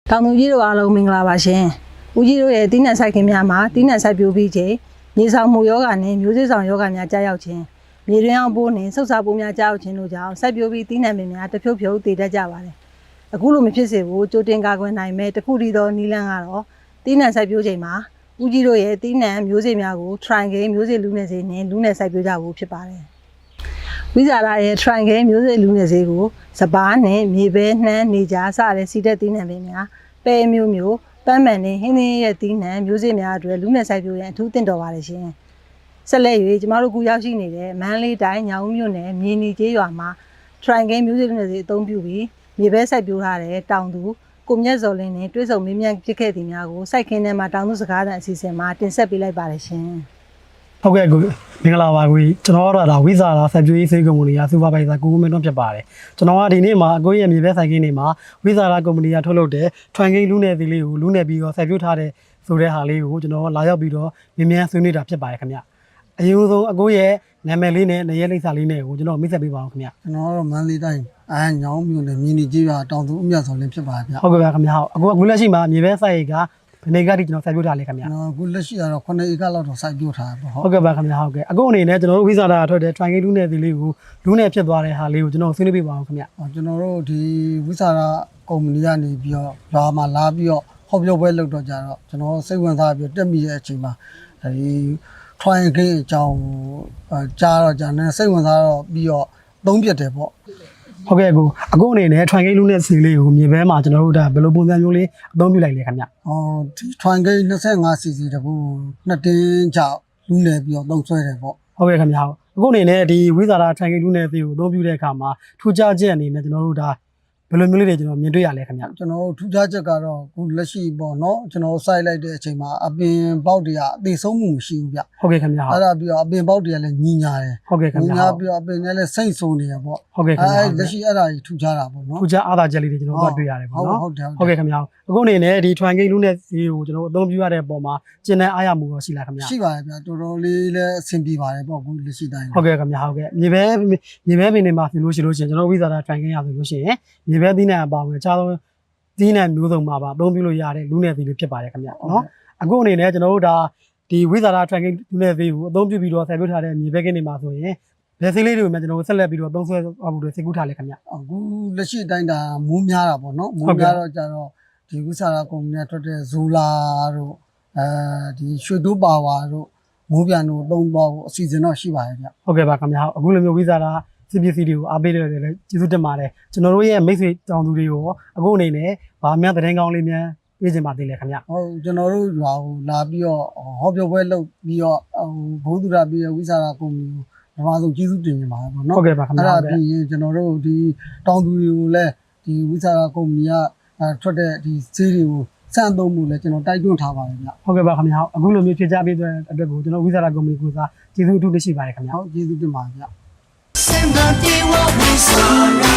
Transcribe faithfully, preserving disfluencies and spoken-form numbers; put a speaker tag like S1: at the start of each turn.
S1: တောင်သူကြီးတို့အားလုံးမင်္ဂလာပါရှင်။ဦးကြီးတို့ရဲ့တီးနှံဆိုင်ခင်များမှာတီးနှံစိုက်ပျိုးပြီးချိန်မြေဆောင်မှုယောဂနဲ့မျိုးစေ့ဆောင်ယောဂများကြားရောက်ခြင်းမြေတွင်းအောင်ပိုးနဲ့ဆုတ်စာပိုးများကြားရောက်ခြင်းတို့ကြောင့်စိုက်ပျိုးပြီးတီးနှံပင်များတဖြုတ်ဖြုတ်တည်တတ်ကြပါတယ်။အခုလိုမဖြစ်စေဘူးကြိုတင်ကာကွယ်နိုင်မဲ့တခုတည်းသောနည်းလမ်းကတော့တီးနှံစိုက်ပျိုးချိန်မှာဦးကြီးတို့ရဲ့တီးနှံမျိုးစေ့များကို triangle မျိုးစေ့လူနယ်စေနဲ့လူနယ်စိုက်ပျိုးကြဖို့ဖြစ်ပါတယ်။ဝိဇာလာရဲ့ triangle မျိုးစေ့လူနယ်စေကိုစပားနဲ့မြေပဲနှမ်းနေကြားစတဲ့စီတက်တီးနှံပင်များပဲမျိုးမျိုးပန်းမှန်နဲ့ဟင်းသင်းရဲ့တီးနှံမျိုးစေ့များအတွက်လူနယ်စိုက်ပျိုးရန်အထူးတင်တော်ပါတယ်ရှင်။ဆက်လက်၍ကျမတို့ကူရောက်ရှိနေတဲ့မန္တလေးတိုင်းညောင်မြို့နယ်မြေနီကျေးရွာမှာ triangle မျိုးစေ့လူနယ်စေအသုံးပြုပြီးမြေပဲစိုက်ပျိုးထားတဲ့တောင်သူကိုမြတ်စော်လင်းနဲ့တွဲဆုံမင်းမြတ်ဖြစ်ခဲ့သည်များကိုစိုက်ခင်းထဲမှာတောင်သူစကားသံအစီအစဉ်မှာတင်ဆက်ပေးလိုက်ပါတယ်ရှင်။
S2: ဟုတ်ကဲ့ကိုမင်္ဂလာပါကိုကျွန်တော်ကတော့ဒါဝိဇာလာစိုက်ပျိုးရေးစေကုမ္ပဏီကစူပါဗိုင်ဇာကိုကိုမင်းတို့ဖြစ်ပါတယ်ကျွန်တော်ကဒီနေ့မှာအကိုရဲ့မြေပဲစိုက်ခင်းနေမှာဝိဇာလာကုမ္ပဏီကထုတ်လုပ်တဲ့ triangle လူနယ်စီလေးကိုလူနယ်ပြီးတော့စိုက်ပျိုးထားတဲ့ဆိုတဲ့ဟာလေးကိုကျွန်တော်လာရောက်ပြီးတော့မြင်မြန်ဆွေးနွေးတာဖြစ်ပါတယ်ခင်ဗျအရင်ဆုံးအကိုရဲ့နာမည်လေးနဲ့နေရဲလိပ်စာလေးနဲ့ကိုကျွန်တော်မိတ်ဆက်ပေးပါအောင်ခင်ဗျ
S3: ကျွန်တော်ကတော့မန္တလေးတိုင်းအာညောင်းမြို့နယ်မြင်းနီကြီးရွာတောင်သူအမြတ်ဆောင်လင်းဖြစ်ပါဗျ
S2: ဟုတ်ကဲ့ပါခင်ဗျဟုတ်အခုအခုလက်ရှိမှာမြေပဲစိုက်ကဘယ်နေကတိကျွန်တော်စိုက်ပျိုးထားလဲခင်ဗျ
S3: ကျွန်တော်အခုလက်ရှိကတော့ခုနှစ်ဧကလောက်တော့စိုက်ပျိုးထားပါ
S2: ဟုတ်ကဲ့ပါခင်ဗျဟုတ်ကဲ့အခုအနေနဲ့ကျွန်တော်တို့ဝိဇာလာထွက်တဲ့ triangle လူနယ်စီလေးကိုလူနယ်ဖြစ်သွားတဲ့ဟာလေးကိုကျွန်တော်ဆွေးနွေးပေးပါအောင်ခင်ဗျ
S3: ကျွန်တော်တို့ဒီဝိဇာလာကုမ္ပဏီကနေပြီးတော့ရွာမှာလာပြီးတော့ဟောပြောပွဲလုပ်တော့ကြတော့ကျွန်တော်စိတ်ဝင်စားပြီးတက်မိတဲ့အချိန်မှာဒီ triangle အကြောင်းကြားတော့ကြာနေစိတ်ဝင်စားတော့ပြီးတော့သုံးပြတယ်ပေါ့
S2: ဟုတ်ကဲ့ကိုအခုအနေနဲ့ triangle လူနယ်စီလေးကိုမြေပဲမှာကျွန်တော်တို့ဒါဘယ်လိုပုံစံမျိုးလေးအသုံးပြုလိုက်လဲခင်ဗျ
S3: ဟောဒီ triangle 25 cc တကူနှစ်တင်းချလူနယ်ပြီးတော့သုံးဆွဲတယ်ပေါ့
S2: ဟုတ်ကဲ့ခင်ဗျဟုတ်အခုအနေနဲ့ဒီဝိဇာလာ triangle လူနယ်စီကိုအသုံးပြုတဲ့အခါမှာထူးခြားချက်အနေနဲ့ကျွန်တော်တို့ဒါဘယ်လိုမျိုးလေးတွေကျွန်တော်မြင်တွေ့ရလဲခင်ဗျ
S3: ကျွန်တော်ထူးခြားချက်ကတော့ခုလက်ရှိပေါ့နော်ကျွန်တော်စိုက်လိုက်တဲ့အချိန်မှာအပင်ပေါက်တွေကအသေးဆုံးမှုမရှိဘူးဗျ
S2: ဟုတ်ကဲ့ခင်ဗျ
S3: အဲ့ဒါပြီးတော့အပင်ပေါက်တွေကလည်းညီညာတယ်
S2: ဟုတ်ကဲ့ခင်ဗျ
S3: ညီညာပြီးတော့အပင်တွေလည်းစိမ့်ဆိုးနေရပေါ့
S2: ဟုတ်ကဲ့ခင်ဗျ
S3: အဲ့လက်ရှိအဲ့ဒါကြီးထူးခြားတာပေါ့နော်
S2: ထူးခြားအားသာချက်လေးတွေကျွန်တော်တို့တွေ့ရတယ်ပေါ့နော်
S3: ဟုတ်တယ်
S2: ဟုတ်ကဲ့ခင်ဗျအခုအနေနဲ့ဒီ triangle လူနယ်စီကိုကျွန်တော်တို့အသုံးပြုရတဲ့ပုံမှာကျင်တဲ့အားရမှုရောရှိလားခင်ဗျ
S3: ရှိပါတယ်ဗျတော်တော်လေးလည်းအဆင်ပြေပါတယ်ပေါ့အခုလက်ရှိတိုင်း
S2: ဟုတ်ကဲ့ခင်ဗျဟုတ်ကဲ့မြေပဲမြေပဲပင်တွေမှာဆိုလို့ရှိလို့ရှိရင်ကျွန်တော်ဝိဇာလာ triangle ရဆိုလို့ရှိရင်မြေပဲသီးနှံအပါဝင်အခြားသောသီးနှံမျိုးစုံမှာပါအသုံးပြုလို့ရတဲ့လူနယ်စီလေးဖြစ်ပါတယ်ခင်ဗျနော်အခုအနေနဲ့ကျွန်တော်တို့ဒါဒီဝိဇာလာ triangle လူနယ်စီကိုအသုံးပြုပြီးတော့ဆက်ပြုထားတဲ့မြေပဲကင်းတွေမှာဆိုရင်ဘယ်စီးလေးတွေကိုမှကျွန်တော်တို့ဆက်လက်ပြီးတော့သုံးဆွဲအောင်လို့စိတ်ကူးထားလဲခင်ဗျ
S3: အခုလက်ရှိတိုင်းဒါမိုးများတာပေါ့နော်မိုးများတော့ကြတော့ဒီဝိဇာလာကုမ္ပဏီကထွက်တဲ့ဇိုလာတို့အဲဒီရွှေတိုးပါဝါတို့မိုးပြန်တို့သုံးပေါ့အစီအစဉ်တော့ရှိပါတယ်ဗျ
S2: ဟုတ်ကဲ့ပါခင်ဗျအခုလိုမျိုးဝိဇာလာစီပီစီတွေကိုအားပေးတယ်လည်းကျေးဇူးတင်ပါတယ်ကျွန်တော်တို့ရဲ့မိတ်ဆွေတောင်သူတွေကိုအခုအနေနဲ့ဗာများသတင်းကောင်းလေးများပြေးချင်ပါသေးတယ်ခင်ဗျ
S3: ဟုတ်ကျွန်တော်တို့လာလာပြီးတော့ဟောပြောပွဲလုပ်ပြီးတော့ဘုသူရပြီးဝိဇာလာကုမ္ပဏီကိုပထမဆုံးကျေးဇူးတင်နေပါတယ်ပေါ့နော်
S2: ဟုတ်ကဲ့ပါခင်ဗျ
S3: အဲ့ဒါပြီးရင်ကျွန်တော်တို့ဒီတောင်သူတွေကိုလည်းဒီဝိဇာလာကုမ္ပဏီကထွက်တဲ့ဒီဈေးတွေကိုစံသုံးမှုလည်းကျွန်တော်တိုက်တွန်းထားပါတယ်ဗျ
S2: ဟုတ်ကဲ့ပါခင်ဗျအခုလိုမျိုးဖြည့်ချပေးတဲ့အတွက်ကိုကျွန်တော်ဝိဇာလာကုမ္ပဏီကိုစားကျေးဇူးအထူးတင်ရှိပါတယ်ခင်ဗျ
S3: ဟုတ်ကျေးဇူးတင်ပါတယ်ဗျ
S4: Send the day what we saw.